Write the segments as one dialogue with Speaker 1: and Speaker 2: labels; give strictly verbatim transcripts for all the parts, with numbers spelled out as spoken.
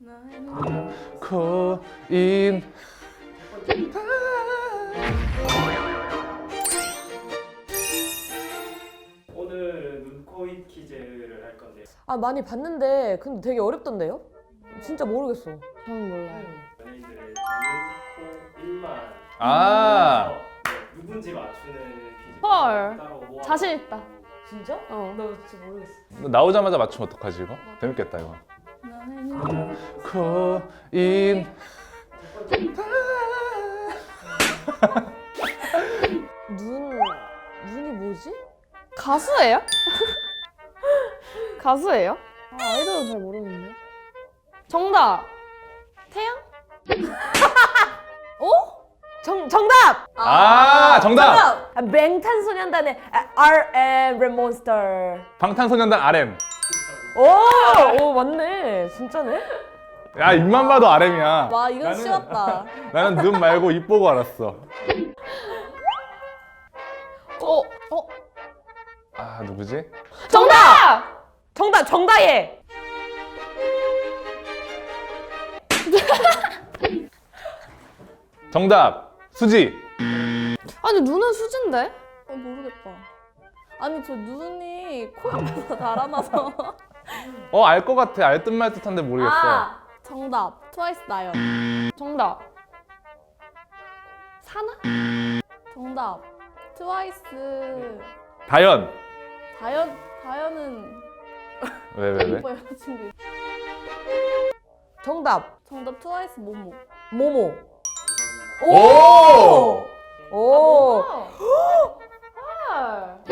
Speaker 1: 코인.
Speaker 2: 오늘은 눈코입 퀴즈를 할 건데
Speaker 3: 아 많이 봤는데 근데 되게 어렵던데요? 진짜 모르겠어.
Speaker 4: 저는 몰라요.
Speaker 2: 연예인들의 눈, 코, 입만
Speaker 1: 아.
Speaker 2: 네, 누군지 맞추는 퀴즈.
Speaker 4: 헐.
Speaker 2: 따로 모아-
Speaker 4: 자신 있다.
Speaker 3: 진짜?
Speaker 4: 어.
Speaker 3: 나 진짜 모르겠어.
Speaker 1: 나오자마자 맞추면 어떡하지 이거? 재밌겠다 이거. 코인.
Speaker 3: 눈 눈이 뭐지?
Speaker 4: 가수예요? 가수예요? 아, 아이돌은 잘 모르는데. 정답. 태양?
Speaker 3: 어? 정 정답.
Speaker 1: 아, 정답.
Speaker 3: 정답. 아, 맹탄소년단의 알엠 랩몬스터.
Speaker 1: 방탄소년단 알엠.
Speaker 3: 오, 오 맞네. 진짜네.
Speaker 1: 야, 입만 봐도 알엠이야.
Speaker 3: 와 이건
Speaker 1: 나는-
Speaker 3: 쉬웠다.
Speaker 1: 나는 눈 말고 입 보고 알았어.
Speaker 4: 어, 어.
Speaker 1: 아, 누구지?
Speaker 4: 정답!
Speaker 3: 정답 정다예.
Speaker 1: 정답. 수지.
Speaker 4: 아니, 눈은 수진데?
Speaker 5: 어, 모르겠다. 아니 저 눈이 코앞에서 달아나서.
Speaker 1: 어, 알 것 같아. 알 듯 말 듯한데 모르겠어.
Speaker 5: 아 정답 트와이스 나연.
Speaker 4: 정답. 사나?
Speaker 5: 정답 트와이스
Speaker 1: 다연.
Speaker 5: 다연 다연은
Speaker 1: 왜, 왜, 왜?
Speaker 5: 오빠 여자친구.
Speaker 3: 정답
Speaker 5: 정답 트와이스 모모.
Speaker 3: 모모.
Speaker 1: 오!
Speaker 3: 오.
Speaker 4: 헐.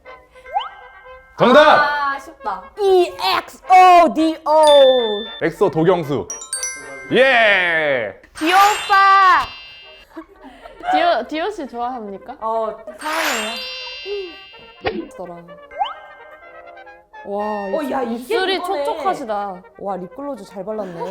Speaker 1: 정답!
Speaker 5: 아 쉽다.
Speaker 3: E X O D O.
Speaker 1: 엑소 도경수. 예!
Speaker 4: 디오 오빠! 디오, 디오 씨 좋아합니까?
Speaker 3: 어 사랑해요.
Speaker 4: 더라. 와,
Speaker 3: 어, 야, 이게
Speaker 4: 입술이
Speaker 3: 그거네.
Speaker 4: 촉촉하시다.
Speaker 3: 와 립글로즈 잘 발랐네.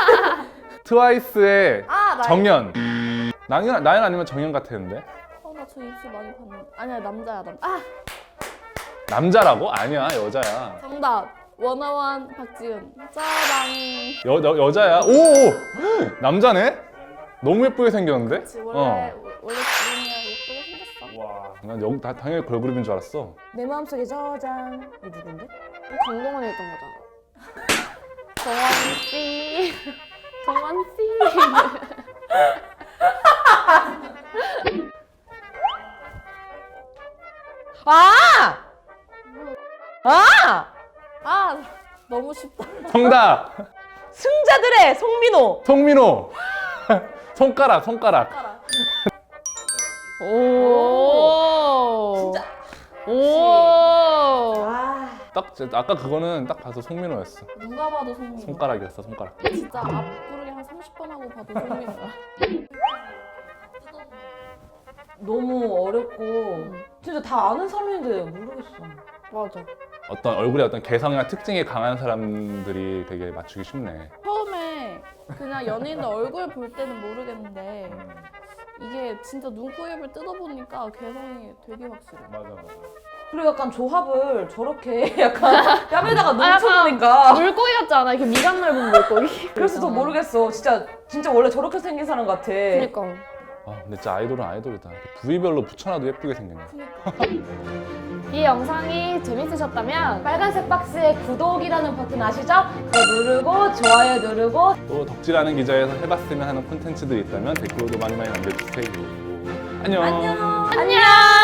Speaker 1: 트와이스의
Speaker 5: 아 나.
Speaker 1: 정연. 나연, 나연 아니면 정연 같았는데?
Speaker 5: 어나 저 입술 많이 봤는데. 아니야 남자야 남. 아
Speaker 1: 남자라고? 아니야, 여자야.
Speaker 5: 정답 원어원 박지은. 짜랑.
Speaker 1: 여, 여, 여자야. 오! 오! 남자네? 너무 예쁘게 생겼는데?
Speaker 5: 그치 원래
Speaker 1: 어.
Speaker 5: 원래 지은이야 예쁘게 생겼어.
Speaker 1: 와. 난 여, 다, 당연히 걸그룹인 줄 알았어.
Speaker 3: 내 마음속에 저장. 이 누군데?
Speaker 4: 강동원이 했던 거잖아. 정원 씨. 정원 씨.
Speaker 3: 아! 아!
Speaker 5: 아 너무 쉽다.
Speaker 1: 정답!
Speaker 3: 승자들의 송민호.
Speaker 1: 송민호! 손가락, 손가락.
Speaker 4: 오.
Speaker 3: 진짜.
Speaker 4: 오.
Speaker 3: 아.
Speaker 1: 딱, 제- 아까 그거는 딱 봐서 송민호였어.
Speaker 5: 누가 봐도 송민호.
Speaker 1: 손가락이었어, 손가락.
Speaker 5: 진짜 앞부르기 한 삼십 번 하고 봐도 송민호야.
Speaker 3: 너무 어렵고 진짜 다 아는 사람인데 모르겠어.
Speaker 4: 맞아.
Speaker 1: 어떤 얼굴에 어떤 개성이나 특징이 강한 사람들이 되게 맞추기 쉽네.
Speaker 5: 처음에 그냥 연예인들 얼굴 볼 때는 모르겠는데 이게 진짜 눈, 코, 입을 뜯어보니까 개성이 되게 확실해.
Speaker 1: 맞아, 맞아.
Speaker 3: 그리고 약간 조합을 저렇게 약간 뺨에다가
Speaker 4: 아, 약간
Speaker 3: 넘쳐보니까
Speaker 4: 물고기 같지 않아? 이렇게 미간 넓은 물고기.
Speaker 3: 그래서 더 모르겠어. 진짜 진짜 원래 저렇게 생긴 사람 같아.
Speaker 4: 그니까.
Speaker 1: 아, 근데 진짜 아이돌은 아이돌이다. 부위별로 붙여놔도 예쁘게 생겼네.
Speaker 4: 이 영상이 재밌으셨다면
Speaker 3: 빨간색 박스에 구독이라는 버튼 아시죠? 그거 누르고 좋아요 누르고
Speaker 1: 또 덕질하는 기자에서 해봤으면 하는 콘텐츠들이 있다면 댓글로도 많이 많이 남겨주세요. 안녕.
Speaker 3: 안녕.
Speaker 4: 안녕!